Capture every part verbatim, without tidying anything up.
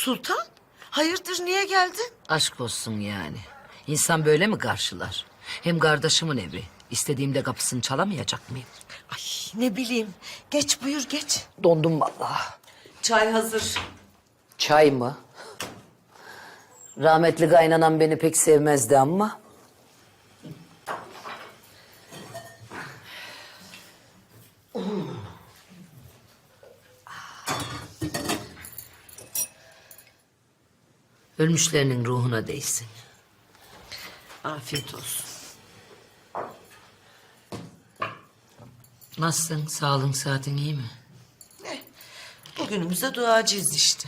Sultan, hayırdır niye geldin? Aşk olsun yani. İnsan böyle mi karşılar? Hem kardeşimin evi. İstediğimde kapısını çalamayacak mıyım? Ay ne bileyim. Geç buyur geç. Dondum vallahi. Çay hazır. Çay mı? Rahmetli kaynanam beni pek sevmezdi ama. Ölmüşlerinin ruhuna değsin. Afiyet olsun. Nasılsın? Sağlığın, saatin iyi mi? Ne? Bugünümüzde duacıyız işte.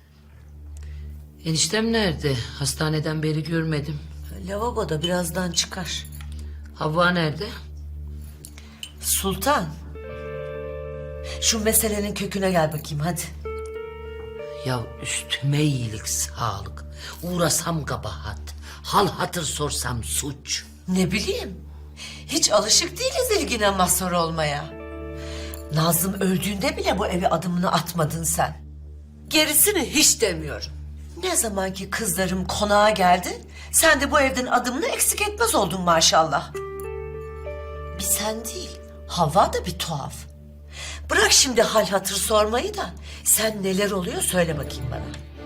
Eniştem nerede? Hastaneden beri görmedim. Lavaboda birazdan çıkar. Havva nerede? Sultan. Şu meselenin köküne gel bakayım hadi. Ya üstüme iyilik, sağlık. Uğrasam kabahat. Hal hatır sorsam suç. Ne bileyim. Hiç alışık değiliz ilgine mazhar olmaya. Nazım öldüğünde bile bu eve adımını atmadın sen. Gerisini hiç demiyorum. Ne zaman ki kızlarım konağa geldi, sen de bu evden adımını eksik etmez oldun maşallah. Bir sen değil, Havva da bir tuhaf. Bırak şimdi hal hatır sormayı da sen neler oluyor söyle bakayım bana.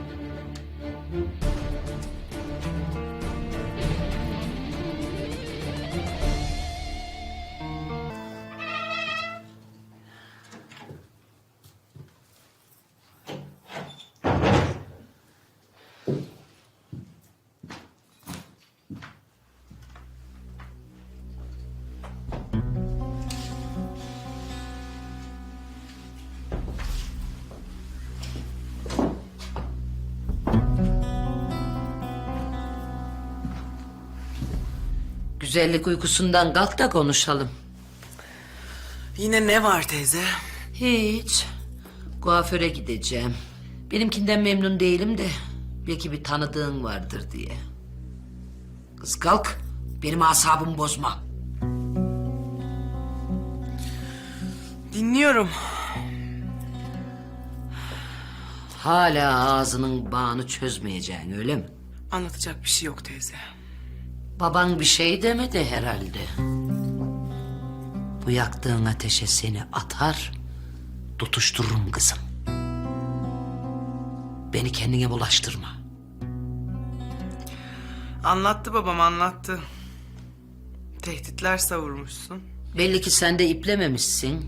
Güzellik uykusundan kalk da konuşalım. Yine ne var teyze? Hiç. Kuaföre gideceğim. Benimkinden memnun değilim de belki bir tanıdığın vardır diye. Kız kalk. Benim asabımı bozma. Dinliyorum. Hala ağzının bağını çözmeyeceksin öyle mi? Anlatacak bir şey yok teyze. Baban bir şey demedi herhalde. Bu yaktığın ateşe seni atar, tutuştururum kızım. Beni kendine bulaştırma. Anlattı babam anlattı. Tehditler savurmuşsun. Belli ki sen de iplememişsin.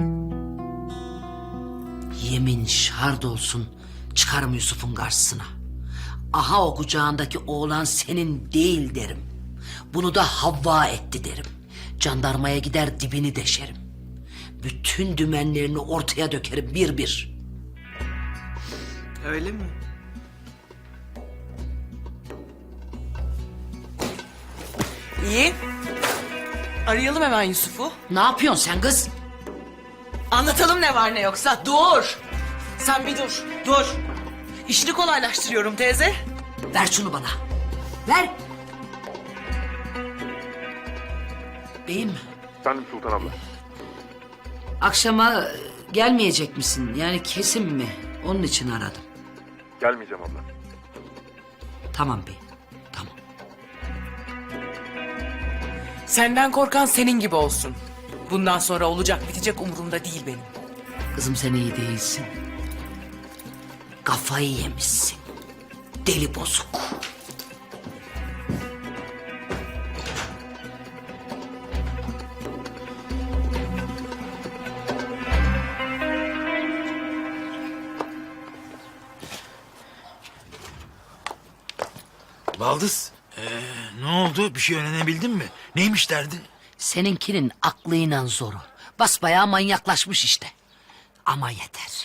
Yemin şart olsun çıkarım Yusuf'un karşısına. Aha o kucağındaki oğlan senin değil derim. Bunu da Havva etti derim. Jandarmaya gider dibini deşerim. Bütün dümenlerini ortaya dökerim bir bir. Öyle mi? İyi. Arayalım hemen Yusuf'u. Ne yapıyorsun sen kız? Anlatalım ne var ne yoksa. Dur. Sen bir dur. Dur. İşini kolaylaştırıyorum teyze. Ver şunu bana. Ver. Beyim, Efendim Sultan abla. akşama gelmeyecek misin? Yani kesin mi? Onun için aradım. Gelmeyeceğim abla. Tamam beyim, tamam. Senden korkan senin gibi olsun. Bundan sonra olacak bitecek umurumda değil benim. Kızım sen iyi değilsin. Kafayı yemişsin. Deli bozuk. Baldız, ee, ne oldu? Bir şey öğrenebildin mi? Neymiş derdin? Seninkinin aklıyla zoru. Basbayağı manyaklaşmış işte. Ama yeter.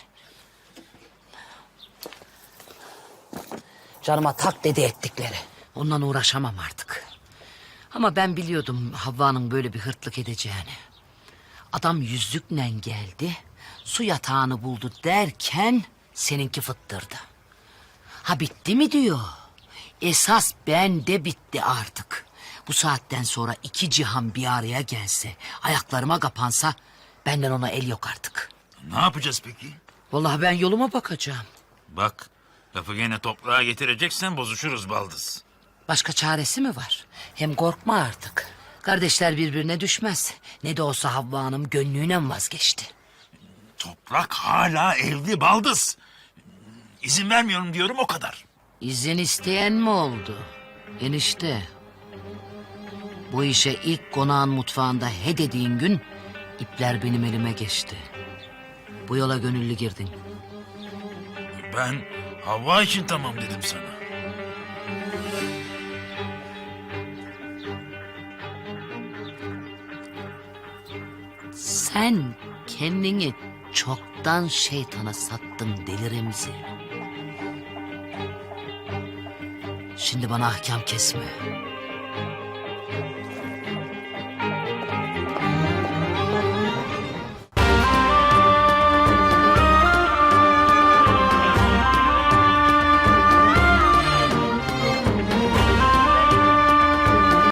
Canıma tak dedi ettikleri. Ondan uğraşamam artık. Ama ben biliyordum Havva'nın böyle bir hırtlık edeceğini. Adam yüzlükle geldi, su yatağını buldu derken seninki fıttırdı. Ha bitti mi diyor. Esas bende bitti artık. Bu saatten sonra iki cihan bir araya gelse, ayaklarıma kapansa benden ona el yok artık. Ne yapacağız peki? Vallahi ben yoluma bakacağım. Bak, Lafı gene toprağa getireceksen bozuşuruz baldız. Başka çaresi mi var? Hem korkma artık. Kardeşler birbirine düşmez. Ne de olsa Havva Hanım gönlüyle vazgeçti. Toprak hala evli baldız. İzin vermiyorum diyorum o kadar. İzin isteyen mi oldu? Enişte. Bu işe ilk konağın mutfağında he dediğin gün ipler benim elime geçti. Bu yola gönüllü girdin. Ben Havva için tamam dedim sana. Sen kendini çoktan şeytana sattın Deli Remzi. Şimdi bana ahkam kesme.